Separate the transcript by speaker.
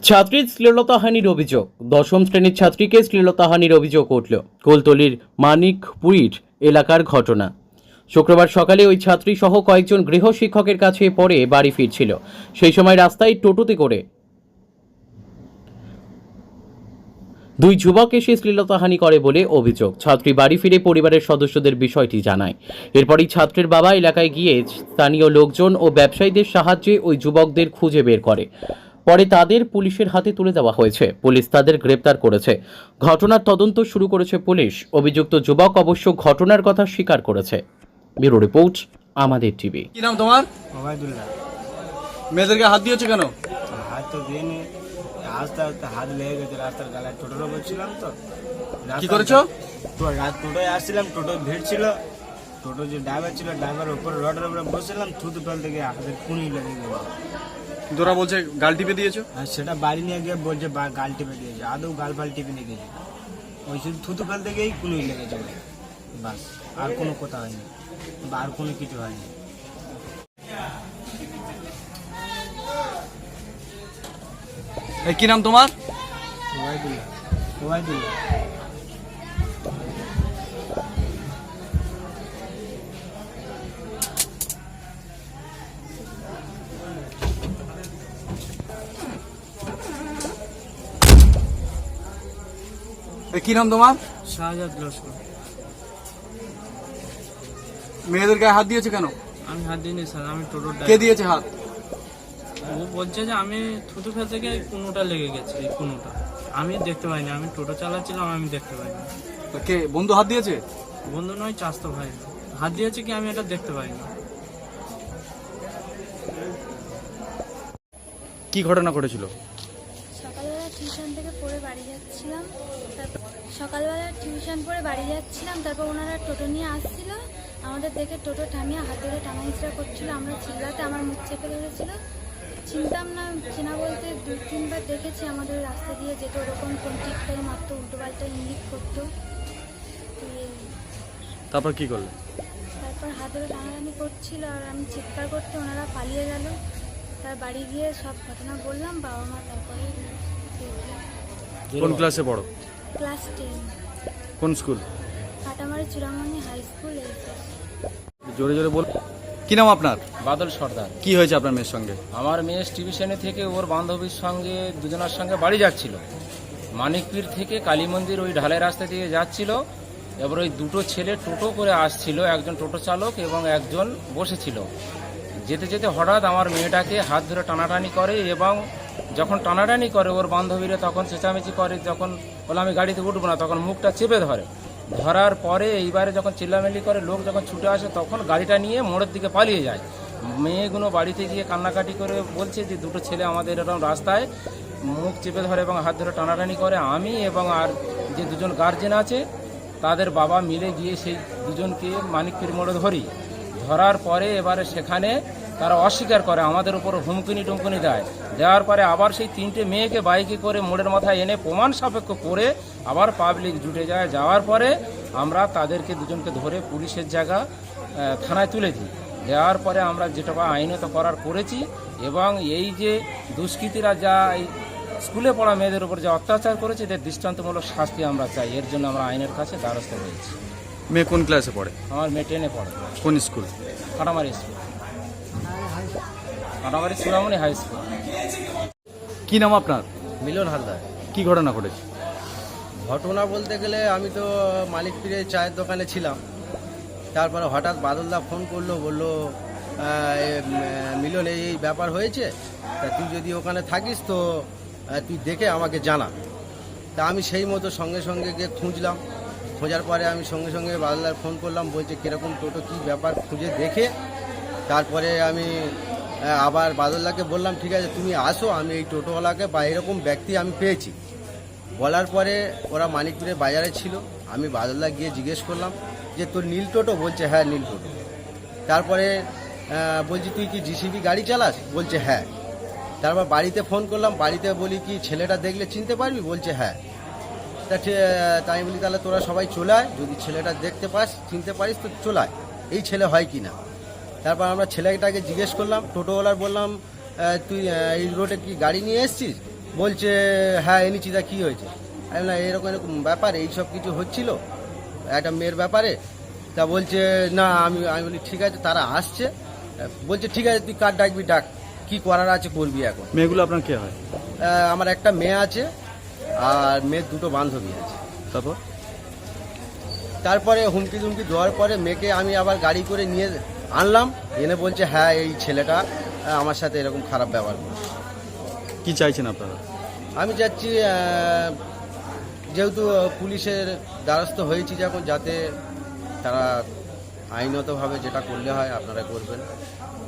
Speaker 1: ছাত্রীর শ্লীলতাহানির অভিযোগ। দশম শ্রেণীর ছাত্রীকে শ্লীলতাহানির অভিযোগ উঠল। কুলতলির মানিকপুরীর এলাকার ঘটনা। শুক্রবার সকালে ওই ছাত্রী সহ কয়েকজন গৃহ শিক্ষকের কাছে পড়ে বাড়ি ফিরছিল। সেই সময় রাস্তায় টোটোতে করে দুই যুবক এসে শ্লীলতাহানি করে বলে অভিযোগ। ছাত্রী বাড়ি ফিরে পরিবারের সদস্যদের বিষয়টি জানায়। এরপরই ছাত্রের বাবা এলাকায় গিয়ে স্থানীয় লোকজন ও ব্যবসায়ীদের সাহায্যে ওই যুবকদের খুঁজে বের করে। পরে তাদের পুলিশের হাতে তুলে দেওয়া হয়েছে। পুলিশ তাদের গ্রেপ্তার করেছে। ঘটনার তদন্ত শুরু করেছে পুলিশ। অভিযুক্ত যুবক অবশ্য ঘটনার কথা স্বীকার করেছে। ব্যুরো রিপোর্ট, আমাদের টিভি।
Speaker 2: কি নাম তোমার?
Speaker 3: ওবায়দুল্লাহ।
Speaker 2: মেয়েদেরকে হাত দিয়েছো কেন?
Speaker 3: হাত তো দিইনি, আস্তে আস্তে হাত লেগে গেছে। রাস্তার গালায় টোটোর ওপর ছিলাম তো।
Speaker 2: কি করেছো?
Speaker 3: টোটোয় আসছিলাম, টোটো ভিড় ছিল। টোটো যে ড্রাইভার ছিল, ড্রাইভার উপরে রডের উপরে বসেছিলাম, থুতু ফেলতে গিয়ে হাতের খুনি লেগে গেল।
Speaker 2: তোরা বলছে গাল টিপে দিয়েছো?
Speaker 3: আর সেটা বাড়ি নিয়ে গিয়ে বলছে গাল টিপে দিয়েছে। আদৌ গাল ফাল টিপে নিয়ে গেছে, ওই শুধু থুতু ফেলতে গিয়েই খুনি লেগেছে বাস। আর কোনো কথা হয়নি বা আর কোনো কিছু হয়নি।
Speaker 2: কি নাম তোমার?
Speaker 3: ওবায়দুল্লাহ। ওবায়দুল্লাহ।
Speaker 2: কি নাম তোমার?
Speaker 4: শাহজাদ লস্কর।
Speaker 2: মেয়েদের গায়ে হাত দিয়েছো কেন?
Speaker 4: আমি হাত দিইনি স্যার, আমি টোটোর
Speaker 2: কে
Speaker 4: ড্রাইভার।
Speaker 2: দিয়েছে হাত?
Speaker 4: ও বলছে যে আমি থুতু ফেলতে গিয়ে কোনোটা লেগে গেছে, এই কোনোটা আমি দেখতে পাইনি। আমি টোটো চালাচ্ছিলাম, আমি দেখতে পাইনি।
Speaker 2: তো কে বন্ধু হাত দিয়েছে?
Speaker 4: বন্ধু নয়, চাস্তো ভাই হাত দিয়েছে কি আমি এটা দেখতে পাইনি।
Speaker 2: কি ঘটনা ঘটেছিল?
Speaker 5: সকালবেলা টিউশন থেকে পড়ে বাড়ি যাচ্ছিলাম। সকালবেলা টিউশন পড়ে বাড়ি যাচ্ছিলাম, তারপর ওনারা টোটো নিয়ে আসছিল। আমাদের দেখে টোটো থামিয়ে হাত ধরে টানা হিচড়া করছিল। আমরা চিল্লাতে আমার মুখ চেপে ধরেছিল। চিনতাম না, চেনা বলতে দু তিনবার দেখেছি আমাদের রাস্তা দিয়ে যেত, ওরকম কোন টিকটাই মারতো, উল্টো পাল্টা ইঙ্গিত করতো।
Speaker 2: তারপর কি করলে?
Speaker 5: তারপর হাত ধরে টানাটানি করছিল আর আমি চিৎকার করতে ওনারা পালিয়ে গেল। তার বাড়ি গিয়ে সব ঘটনা বললাম বাবা মা। তারপরে
Speaker 2: কোন ক্লাসে পড়ো?
Speaker 5: ক্লাস 10,
Speaker 2: কোন school?
Speaker 5: Katamari Churamani high school.
Speaker 2: জোরে জোরে বল। কি নাম আপনার?
Speaker 6: বাদল সর্দার।
Speaker 2: কি হয়েছে আপনার মেয়ের সঙ্গে?
Speaker 6: আমার মেয়ে টিউশনে থেকে ওর বান্ধবীর সঙ্গে দুজনের সঙ্গে বাড়ি যাচ্ছিল। মানিকপীর থেকে কালী মন্দির ওই ঢালাই রাস্তা দিয়ে যাচ্ছিল। এবার ওই দুটো ছেলে টোটো করে আসছিল, একজন টোটো চালক এবং একজন বসেছিল। যেতে যেতে হঠাৎ আমার মেয়েটাকে হাত ধরে টানাটানি করে এবং যখন টানাটানি করে ওর বান্ধবীরা তখন চেঁচামেচি করে। যখন বলে আমি গাড়িতে উঠবো না, তখন মুখটা চেপে ধরার পরে এইবারে যখন চিল্লামিল্লি করে লোক যখন ছুটে আসে তখন গাড়িটা নিয়ে মোড়ের দিকে পালিয়ে যায়। মেয়েগুলো বাড়িতে গিয়ে কান্নাকাটি করে বলছে যে দুটো ছেলে আমাদের এরকম রাস্তায় মুখ চেপে ধরে এবং হাত ধরে টানাটানি করে। আমি এবং আর যে দুজন গার্জেন আছে তাদের বাবা মিলে গিয়ে সেই দুজনকে মানিকপীর মোড়ে ধরার পরে এবারে সেখানে তারা অস্বীকার করে, আমাদের উপর হুমকিনি টুমকুনি দেওয়ার পরে আবার সেই তিনটে মেয়েকে বাইকে করে মোড়ের মাথায় এনে প্রমাণ সাপেক্ষ করে আবার পাবলিক জুটে যায়। যাওয়ার পরে আমরা তাদেরকে দুজনকে ধরে পুলিশের জায়গা থানায় তুলে দিই। দেওয়ার পরে আমরা যেটা আইনত করার করেছি এবং এই যে দুষ্কৃতীরা যা এই স্কুলে পড়া মেয়েদের উপর যে অত্যাচার করেছে এদের দৃষ্টান্তমূলক শাস্তি আমরা চাই। এর জন্য আমরা আইনের কাছে দ্বারস্থ হয়েছি।
Speaker 2: মেয়ে কোন ক্লাসে পড়ে?
Speaker 6: আমার মেয়ে 10-এ পড়ে।
Speaker 2: কোন school?
Speaker 6: Katamari school, Katamari Churamani high school.
Speaker 2: কি নাম আপনার?
Speaker 7: মিলন হালদার।
Speaker 2: কি ঘটনা ঘটেছে?
Speaker 7: ঘটনা বলতে গেলে আমি তো মালিকপীরের চায়ের দোকানে ছিলাম। তারপরে হঠাৎ বাদলদা ফোন করলো, বললো মিলন এই ব্যাপার হয়েছে, তা তুই যদি ওখানে থাকিস তো তুই দেখে আমাকে জানা। তা আমি সেই মতো সঙ্গে সঙ্গে গিয়ে খুঁজলাম। খোঁজার পরে আমি সঙ্গে সঙ্গে বাদলদার ফোন করলাম, বলছে কীরকম টোটো কী ব্যাপার খুঁজে দেখে তারপরে আমি আবার বাদলদাকে বললাম ঠিক আছে তুমি আসো, আমি এই টোটোওয়ালাকে বা এরকম ব্যক্তি আমি পেয়েছি। বলার পরে ওরা মানিকপুরের বাজারে ছিল। আমি বাদলদা গিয়ে জিজ্ঞেস করলাম যে তোর নীল টোটো? বলছে হ্যাঁ নীল টোটো। তারপরে বলছি তুই কি জিসিবি গাড়ি চালাস? বলছে হ্যাঁ। তারপর বাড়িতে ফোন করলাম, বাড়িতে বলি কি ছেলেটা দেখলে চিনতে পারবি? বলছে হ্যাঁ। তাই বলি তাহলে তোরা সবাই চলে আয়, যদি ছেলেটা দেখতে পাস চিনতে পারিস তো চলে আয়, এই ছেলে হয় কি না। তারপর আমরা ছেলেটাকে জিজ্ঞেস করলাম, টোটোওয়ালার বললাম তুই এই রোডে কি গাড়ি নিয়ে এসছিস? বলছে হ্যাঁ এনেছি, তা কী হয়েছে? আমি না এরকম এরকম ব্যাপার, এই সব কিছু হচ্ছিল একটা মেয়ের ব্যাপারে। তা বলছে না, আমি বলি ঠিক আছে, তারা আসছে। বলছে ঠিক আছে, তুই কার ডাকবি ডাক, কী করার আছে করবি এখন।
Speaker 2: মেয়েগুলো আপনার কে হয়?
Speaker 7: আমার একটা মেয়ে আছে আর মেয়ের দুটো বান্ধবী আছে।
Speaker 2: তারপর
Speaker 7: তারপরে হুমকি টুমকি দেওয়ার পরে মেয়েকে আমি আবার গাড়ি করে নিয়ে আনলাম, এনে বলছে হ্যাঁ এই ছেলেটা আমার সাথে এরকম খারাপ ব্যবহার করছে।
Speaker 2: কি চাইছেন আপনারা?
Speaker 7: আমি চাচ্ছি যেহেতু পুলিশের দ্বারস্থ হয়েছি যখন, যাতে তারা আইনতভাবে যেটা করলে হয় আপনারা করবেন।